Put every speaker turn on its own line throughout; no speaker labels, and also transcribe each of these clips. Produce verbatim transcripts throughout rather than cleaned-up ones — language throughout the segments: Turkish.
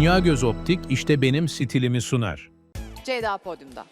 Dünya Göz Optik işte benim stilimi sunar.
Ceyda podyumda.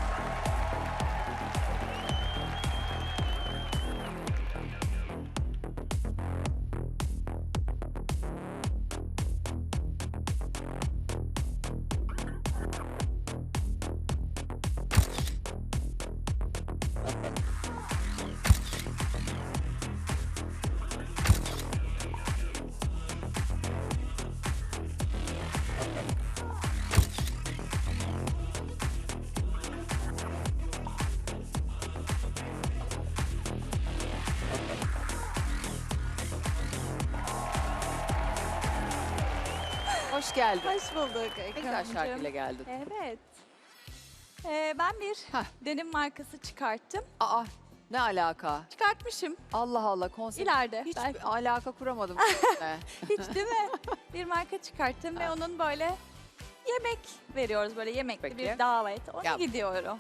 Hoş geldin.
Hoş bulduk
Ne güzel
Ekrem'cim.
şarkıyla geldin.
Evet. Ee, ben bir
Hah.
denim markası çıkarttım.
Aa, ne alaka?
Çıkartmışım
Allah Allah, konsept.
ileride.
Hiç
belki.
alaka kuramadım. sizinle.
Hiç değil mi? Bir marka çıkarttım ve
Ha.
onun böyle yemek veriyoruz. Böyle yemekli
Peki.
bir davet. Ona
Yap.
gidiyorum.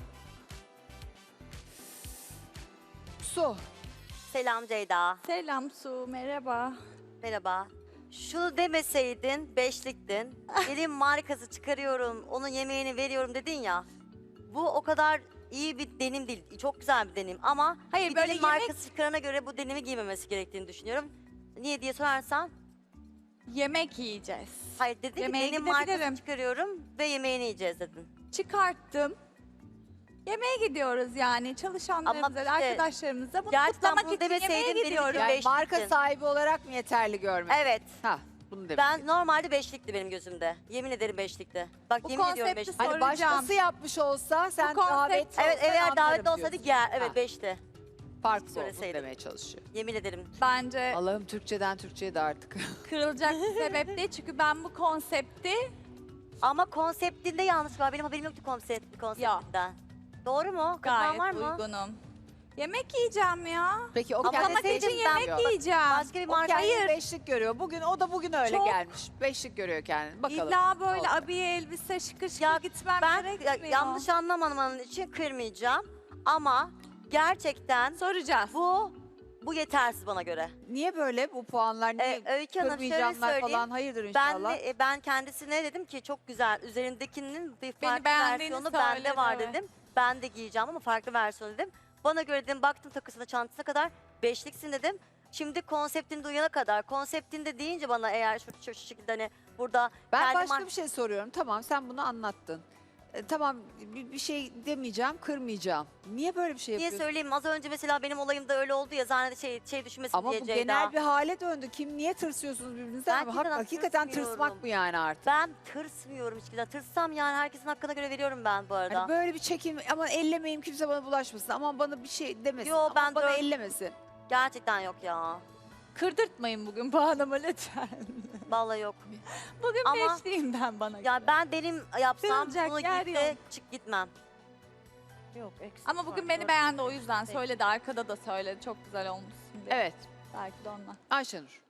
Su.
Selam Ceyda.
Selam Su, merhaba.
Merhaba. Şunu demeseydin beşliktin. Gelin markası çıkarıyorum, onun yemeğini veriyorum dedin ya. Bu o kadar iyi bir denim değil. Çok güzel bir denim ama
Hayır,
bir
böyle
denim
yemek-
markası çıkarana göre bu denimi giymemesi gerektiğini düşünüyorum. Niye diye sorarsan,
Yemek yiyeceğiz.
hayır dedin ki
Yemeğe
denim
gidebilirim.
markası çıkarıyorum ve yemeğini yiyeceğiz dedin.
Çıkarttım. Yemeğe gidiyoruz yani çalışanlarımıza,
Ama işte
arkadaşlarımıza bunu
gerçekten
kutlamak
bunu
için
demeseydin
yemeğe
benim için
gidiyorum.
beş-
Yani marka
Beşliktin.
sahibi olarak mı yeterli görmek?
Evet.
Ha, bunu demek.
Ben normalde beşlikti benim gözümde. Yemin ederim beşlikti. Bak
Bu
yemin ediyorum
konsepti
beşlikti.
Hani
soracağım.
başkası yapmış olsa sen
konsept-
davet
Evet,
olsan
eğer
anlarım
davetli olsaydı
diyorsun.
gel. Evet
Ha.
beşti.
Farklı olduğunu
Söyleseydin.
demeye çalışıyor.
Yemin ederim.
Bence
Allah'ım Türkçeden Türkçe'ye de artık.
kırılacak bir sebep değil çünkü ben bu konsepti
Ama konseptinde yanlış var. Benim haberim yoktu konsept, konseptinden. Doğru mu? Kapan
gayet
var mı?
uygunum. Yemek yiyeceğim ya.
Peki o
Ama
kendisi
Kutlamak için
deseydin ben-
yemek yiyeceğim.
Başka bir
O
marka.
kendini
Hayır.
beşlik görüyor. Bugün o da bugün öyle
Çok-
gelmiş. Beşlik görüyor kendini. Bakalım.
İlla böyle
Oldu.
abiye elbise şıkır şıkır
Ya
gitmem
Ben ya-
gerekmiyor.
yanlış anlamamanın için kırmayacağım. Ama gerçekten
Soracağız.
bu bu yetersiz bana göre.
Niye böyle bu puanlar? Niye
Ee, Öykü Hanım şöyle
kırmayacağımlar
söyleyeyim.
falan? Hayırdır
Ben
inşallah.
de, e, ben kendisine dedim ki çok güzel. Üzerindekinin bir
Beni
farklı
beğendiğini
versiyonu
söyledi,
bende var
evet.
dedim. Ben de giyeceğim ama farklı versiyonu dedim. Bana göre dedim baktım takısına çantasına kadar beşliksin dedim. Şimdi konseptini duyana kadar konseptinde deyince bana eğer şu, şu, şu şekilde hani burada
Ben
kendi
başka
mar-
bir şey soruyorum. Tamam sen bunu anlattın. E, tamam bir, bir şey demeyeceğim, kırmayacağım. Niye böyle bir şey
niye
yapıyorsun?
söyleyeyim az önce mesela benim olayımda öyle oldu ya zannede şey şey düşünmesin
Ama
diye
bu
Ceyda.
genel bir hale döndü. Kim niye tırsıyorsunuz birbirinizden?
Ben
Ama hak-
kimseden
hakikaten
tırsmıyorum.
tırsmak bu yani artık.
Ben tırsmıyorum hiçbir zaman. Tırsam yani herkesin hakkına göre veriyorum ben bu arada.
Hani böyle bir çekim ama ellemeyeyim kimse bana bulaşmasın. Aman bana bir şey demesin.
Yo,
Aman
ben
bana
dört-
ellemesin.
Gerçekten yok ya.
Kırdırtmayın bugün puanımı lütfen.
Vallahi yok.
Bugün
Ama-
beşliyim ben bana.
Ya ben benim yapsam
Kırılacak
bunu
yer
giyip de
yok.
çık gitmem. Yok
Ama bugün beni beğendi o yüzden söyledi. Arkada da söyledi. Çok güzel olmuşsun diye.
Evet.
Belki de ondan.
Ayşenur.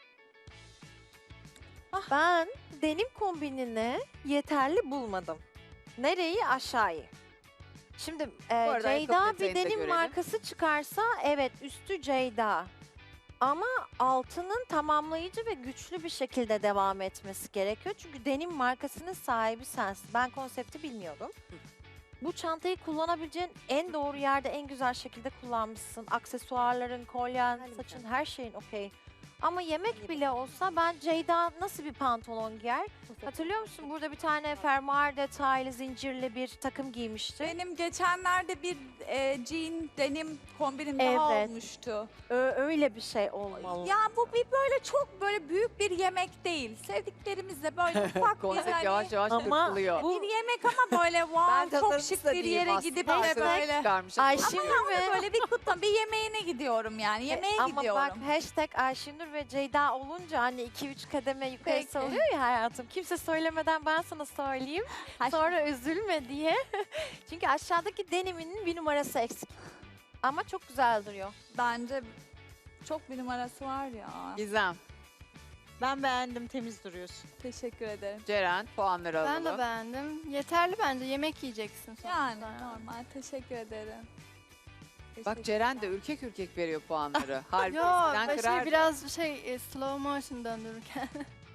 Ben denim kombinini yeterli bulmadım. Nereyi? Aşağıyı. Şimdi e,
arada ayakkabı
Ceyda bir
detayını da
denim
görelim.
markası çıkarsa evet üstü Ceyda. Ama altının tamamlayıcı ve güçlü bir şekilde devam etmesi gerekiyor. Çünkü denim markasının sahibi sensin. Ben konsepti bilmiyordum. Bu çantayı kullanabileceğin en doğru yerde en güzel şekilde kullanmışsın. Aksesuarların, kolyen,
Hadi
saçın
bakalım.
her şeyin okey. Ama yemek bile olsa ben Ceyda nasıl bir pantolon giyer? Hatırlıyor musun? Burada bir tane fermuar detaylı zincirli bir takım giymişti.
Benim geçenlerde bir e, jean denim kombinim daha
Evet.
olmuştu.
Ö- öyle bir şey olmalı.
Ya bu bir böyle çok böyle büyük bir yemek değil. Sevdiklerimizle böyle ufak bir
Konsept
hani
yavaş yavaş
Ama
kırpılıyor.
bu-
bir yemek ama böyle wow çok
tasarımcısı
şık
da
bir
değilim
yere
aslında.
gidip
Hashtag
de böyle
çıkarmış.
Ayşenur
ama
ve
böyle bir kutlama bir yemeğine gidiyorum yani. Yemeğe
ama
gidiyorum.
bak hashtag Ayşenur ve Ceyda olunca hani iki üç kademe yukarı
Peki.
oluyor ya hayatım. Kimse söylemeden ben sana söyleyeyim.
Haş-
Sonra üzülme diye. Çünkü aşağıdaki deniminin bir numarası eksik. Ama çok güzel duruyor.
Bence çok bir numarası var ya.
Gizem,
Ben beğendim, temiz duruyorsun.
Teşekkür ederim.
Ceren puanları alalım.
Ben de beğendim. Yeterli bence. Yemek yiyeceksin sonuçta.
Yani normal. Teşekkür ederim.
Bak Ceren de ürkek ürkek veriyor puanları. Halbuki
Yo,
eskiden
ben şey
kırardı.
biraz şey e, slow motion döndürürken.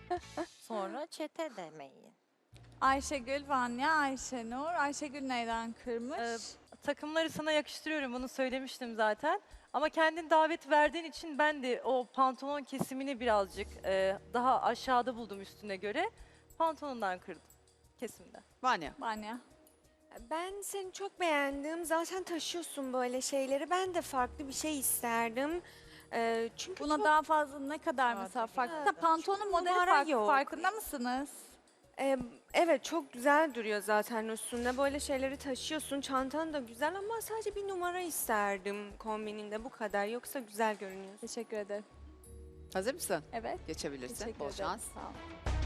Sonra çete demeyin.
Ayşegül, Vanya, Ayşenur. Ayşegül neyden kırmış?
Ee, Takımları sana yakıştırıyorum, bunu söylemiştim zaten. Ama kendin davet verdiğin için ben de o pantolon kesimini birazcık e, daha aşağıda buldum üstüne göre. Pantolondan kırdım, kesimden.
Vanya.
Vanya.
Ben seni çok beğendim. Zaten taşıyorsun böyle şeyleri. Ben de farklı bir şey isterdim. Ee, çünkü
Buna
çok,
daha fazla ne kadar mesela farklı?
Evet,
Da pantolonun
çünkü
modeli
numara
farklı.
yok.
Farkında mısınız?
e, evet çok güzel duruyor zaten üstünde. Böyle şeyleri taşıyorsun. Çantan da güzel ama sadece bir numara isterdim kombininde bu kadar. Yoksa güzel görünüyor.
Teşekkür ederim.
Hazır mısın?
Evet.
Geçebilirsin.
Teşekkür
Bol
ederim.
şans.
Sağ ol.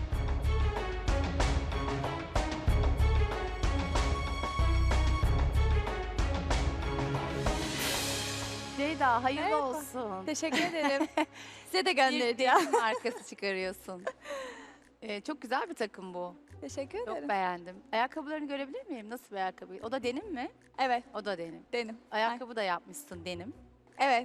Ceyda hayırlı
Merhaba.
olsun.
Teşekkür ederim. Size de
Bir
gönderdi ya.
denim markası çıkarıyorsun. Ee, çok güzel bir takım bu.
Teşekkür
Çok
ederim.
beğendim. Ayakkabılarını görebilir miyim? Nasıl bir ayakkabı? O da denim mi?
Evet,
O da denim.
denim.
Ayakkabı da yapmışsın denim.
Evet.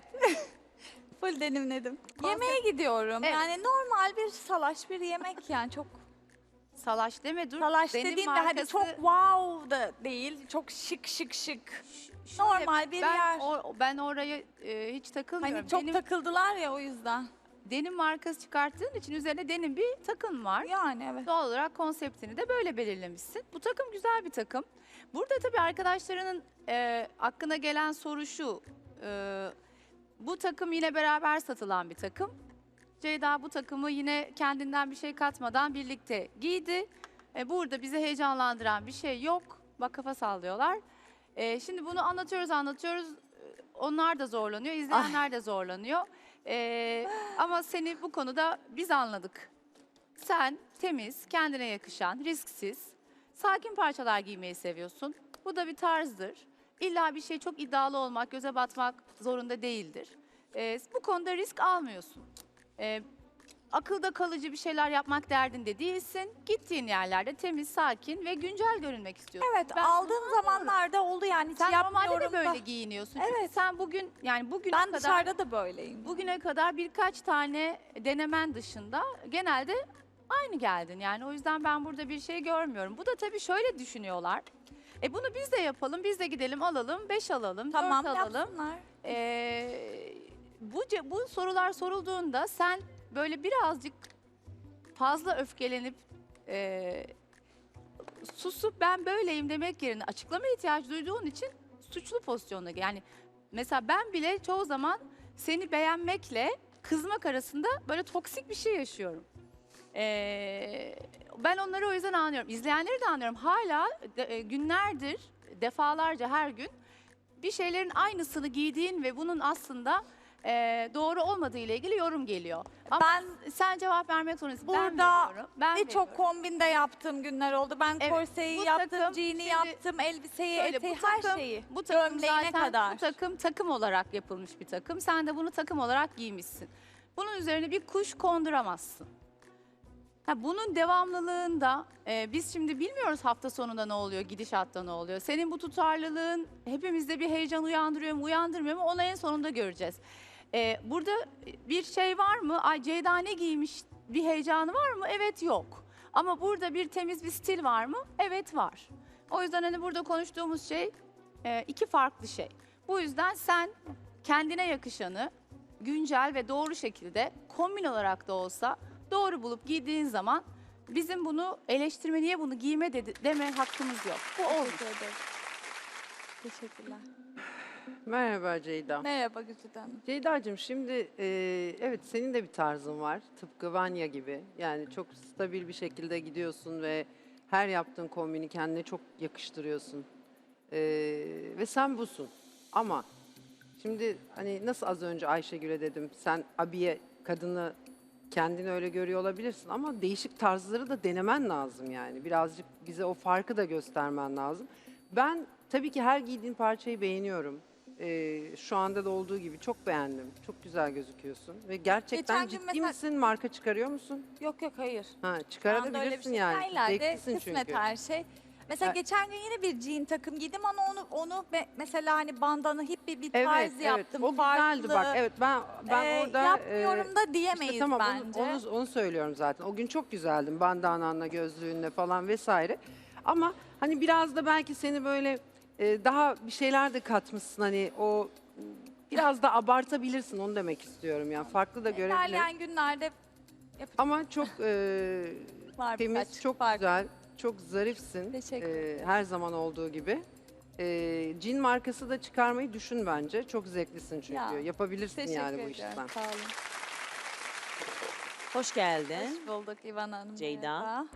Full denimledim. Yemeğe gidiyorum.
Evet.
Yani normal bir salaş bir yemek yani çok
Salaş deme dur.
salaş
Denim
dediğimde hani
markası-
çok wow da değil. Çok şık şık şık.
Şöyle,
Normal bir
ben
yer.
o- ben oraya e, hiç takılmıyorum.
Hani çok
denim,
takıldılar ya o yüzden.
denim markası çıkarttığın için üzerine denim bir takım var.
Yani evet.
Doğal olarak konseptini de böyle belirlemişsin. Bu takım güzel bir takım. Burada tabii arkadaşlarının e, aklına gelen soru şu. e, bu takım yine beraber satılan bir takım. Ceyda bu takımı yine kendinden bir şey katmadan birlikte giydi. E, burada bizi heyecanlandıran bir şey yok. Bak kafa sallıyorlar. E, şimdi bunu anlatıyoruz anlatıyoruz. E, Onlar da zorlanıyor, izleyenler de zorlanıyor. E, ama seni bu konuda biz anladık. Sen temiz, kendine yakışan, risksiz, sakin parçalar giymeyi seviyorsun. Bu da bir tarzdır. İlla bir şey çok iddialı olmak, göze batmak zorunda değildir. Ee, bu konuda risk almıyorsun. Ee, akılda kalıcı bir şeyler yapmak derdinde değilsin. Gittiğin yerlerde temiz, sakin ve güncel görünmek istiyorsun.
Evet
Ben-
aldığım zamanlarda oldu yani hiç
Sen normalde
yapmıyorum
de
da.
böyle giyiniyorsun. Çünkü
Evet.
sen bugün yani bugüne
Ben
kadar
dışarıda da böyleyim.
bugüne kadar birkaç tane denemen dışında genelde aynı geldin. Yani o yüzden ben burada bir şey görmüyorum. Bu da tabii şöyle düşünüyorlar. E bunu biz de yapalım, biz de gidelim alalım, beş alalım,
Tamam
dört alalım.
yapsınlar.
Ee, bu, ce- bu sorular sorulduğunda sen böyle birazcık fazla öfkelenip e, susup ben böyleyim demek yerine açıklama ihtiyacı duyduğun için suçlu pozisyonda. Yani mesela ben bile çoğu zaman seni beğenmekle kızmak arasında böyle toksik bir şey yaşıyorum. Ee, ben onları o yüzden anlıyorum. İzleyenleri de anlıyorum. Hala de- e, günlerdir, defalarca her gün bir şeylerin aynısını giydiğin ve bunun aslında e, doğru olmadığı ile ilgili yorum geliyor. Ama
Ben
sen cevap vermek zorundasın.
burada
ben veriyorum. Ben
birçok
veriyorum.
kombinde yaptığım günler oldu. Ben
Evet,
korseyi
bu
yaptım,
takım
jean'i
şimdi
yaptım, elbiseyi,
şöyle,
eteği,
bu
her
takım-
şeyi.
Bu takım
Gömleğine
zaten
kadar.
bu takım takım olarak yapılmış bir takım. Sen de bunu takım olarak giymişsin. Bunun üzerine bir kuş konduramazsın. Ha, bunun devamlılığında e, biz şimdi bilmiyoruz hafta sonunda ne oluyor, gidişatta ne oluyor. Senin bu tutarlılığın hepimizde bir heyecan uyandırıyor mu, uyandırmıyor mu onu en sonunda göreceğiz. E, burada bir şey var mı? Ay Ceyda ne giymiş bir heyecanı var mı? Evet yok. Ama burada bir temiz bir stil var mı? Evet var. O yüzden hani burada konuştuğumuz şey e, iki farklı şey. Bu yüzden sen kendine yakışanı güncel ve doğru şekilde kombin olarak da olsa doğru bulup giydiğin zaman bizim bunu eleştirme niye bunu giyme dedi, deme hakkımız yok. Bu olur.
Teşekkür ederim. Teşekkürler.
Merhaba Ceyda.
Merhaba Güzide Hanım.
Ceyda'cığım şimdi e, evet senin de bir tarzın var. Tıpkı Vanya gibi. Yani çok stabil bir şekilde gidiyorsun ve her yaptığın kombini kendine çok yakıştırıyorsun. E, ve sen busun. Ama şimdi hani nasıl az önce Ayşegül'e dedim sen abiye kadını kendini öyle görüyor olabilirsin ama değişik tarzları da denemen lazım yani. Birazcık bize o farkı da göstermen lazım. Ben tabii ki her giydiğin parçayı beğeniyorum. Ee, şu anda da olduğu gibi çok beğendim. Çok güzel gözüküyorsun. Ve gerçekten
Geçen gün
ciddi
mesela-
misin? Marka çıkarıyor musun?
Yok yok hayır.
Ha,
Şu anda öyle bir
çıkarabilirsin
şey.
yani.
Hayırlarda
Zevklisin
kısmet
çünkü.
her şey. Mesela
Ha.
geçen gün yine bir jean takım giydim ama onu onu be- mesela hani bandana hip bir, bir
Evet,
tarz
evet.
yaptım.
O güzeldi bak. Evet ben ben
Ee,
orada
yapmıyorum
e,
da diyemeyiz
İşte tamam onu-
bence.
Onu, onu söylüyorum zaten. O gün çok güzeldin bandananla, gözlüğünle falan vesaire. Ama hani biraz da belki seni böyle e, daha bir şeyler de katmışsın hani o biraz da abartabilirsin onu demek istiyorum yani farklı da görebilir.
İlerleyen günlerde
Ama çok e,
var
temiz,
birkaç
çok
farklı.
güzel, çok zarifsin.
Teşekkür
E, her zaman olduğu gibi. E, cin markası da çıkarmayı düşün bence. Çok zevklisin çünkü.
Ya,
Yapabilirsin
Teşekkür
yani bu
ediyorum.
işten.
Sağ olun.
Hoş geldin.
Hoş bulduk İvan Hanım.
Ceyda.
Merhaba.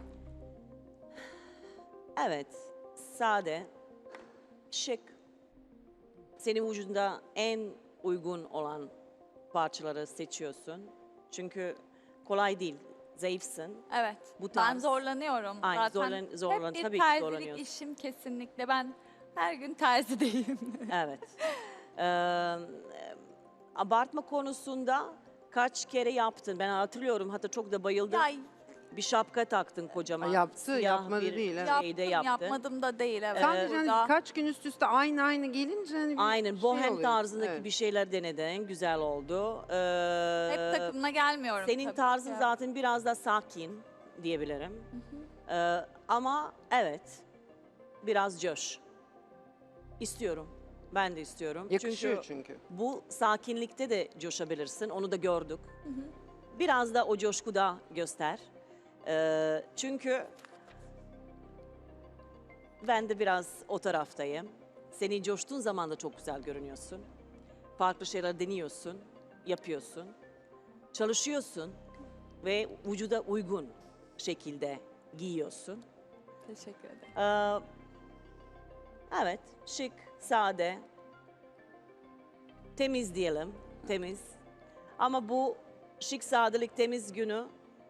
Evet, sade, şık. Senin vücudunda en uygun olan parçaları seçiyorsun. Çünkü kolay değil, zayıfsın.
Evet.
Bu
Ben
tarz.
zorlanıyorum.
Aynı
Zaten
zorlan, zorlan,
hep bir
tabii ki
terzilik
zorlanıyorsun.
işim kesinlikle. Ben her gün terzideyim.
Evet. Ee, abartma konusunda kaç kere yaptın? Ben hatırlıyorum, hatta çok da bayıldım.
ya
Bir şapka taktın kocaman.
Ha, yaptı,
Siyah
yapmadı
bir
değil, evet.
şeyde
yaptım,
yaptın.
yapmadım da değil. Evet.
Sadece hani
Burada-
birkaç gün üst üste aynı aynı gelince hani bir
Aynen,
şey
bohem
oluyor.
tarzındaki
Evet.
bir şeyler denedin, güzel oldu. Ee,
Hep takımına gelmiyorum
Senin
tabii
tarzın
ki.
zaten biraz da sakin diyebilirim. Ee, ama evet, biraz coş. İstiyorum, ben de istiyorum.
Yakışıyor
çünkü,
çünkü.
bu sakinlikte de coşabilirsin, onu da gördük. Biraz da o coşkuda göster. Ee, çünkü ben de biraz o taraftayım. Seni coştuğun zaman da çok güzel görünüyorsun. Farklı şeyler deniyorsun, yapıyorsun. Çalışıyorsun ve vücuda uygun şekilde giyiyorsun.
Teşekkür ederim.
Ee, evet, şık, sade, temiz diyelim, temiz. Ama bu şık, sadelik, temiz günü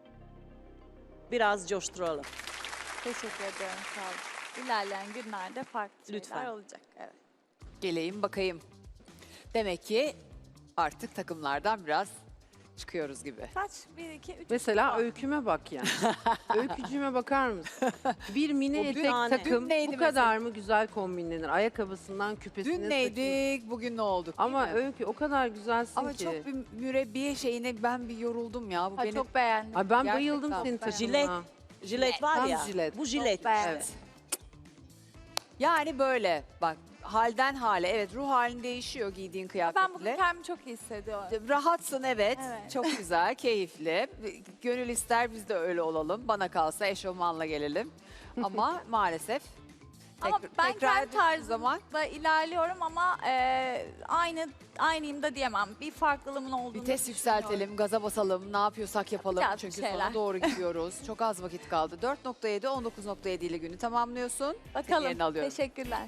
biraz coşturalım.
Teşekkür ediyorum. Sağ olun. İlerleyen günlerde farklı
Lütfen.
şeyler olacak. Evet.
Geleyim bakayım. Demek ki artık takımlardan biraz çıkıyoruz gibi.
Kaç? Bir, iki, üç.
Mesela öyküme bak yani. Öykücüğüme bakar mısın? Bir mini
O dün-
etek
Dün
takım
neydi
bu kadar mı güzel kombinlenir? Ayakkabısından küpesine
Dün
saçına.
neydik, bugün ne olduk değil
Ama
mi?
Öykü o kadar güzelsin
Ama
ki.
çok bir mürebbiye şeyine ben bir yoruldum ya. Bu
Ha,
beni
çok beğendim.
Ay ben
Gerçekten
bayıldım
çok
senin
beğendim.
Jilet,
takımına.
jilet var
Tam
ya,
jilet.
bu jilet
beğendim.
işte.
Yani böyle bak halden hale evet ruh halin değişiyor giydiğin
Ben bugün
kıyafetle.
kendimi çok iyi hissediyorum.
Rahatsın evet.
Evet.
Çok güzel, keyifli. Gönül ister biz de öyle olalım. Bana kalsa eşofmanla gelelim. Ama maalesef
Ama
tekrar-
ben
tekrar
kendi
ettiğim
tarzımda
zaman
ilerliyorum ama e, aynı aynıyım da diyemem. Bir farklılığımın olduğunu
vites
düşünüyorum.
yükseltelim, gaza basalım, ne yapıyorsak yapalım.
Yapacağız bir
Çünkü
şeyler.
sona doğru gidiyoruz. Çok az vakit kaldı. dört nokta yedi, on dokuz nokta yedi ile günü tamamlıyorsun.
Bakalım.
Yerini alıyorum.
Teşekkürler.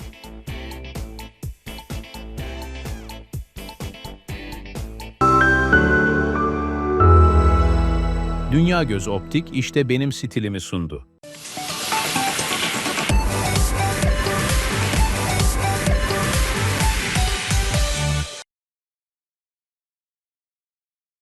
Dünya Göz Optik işte benim stilimi sundu.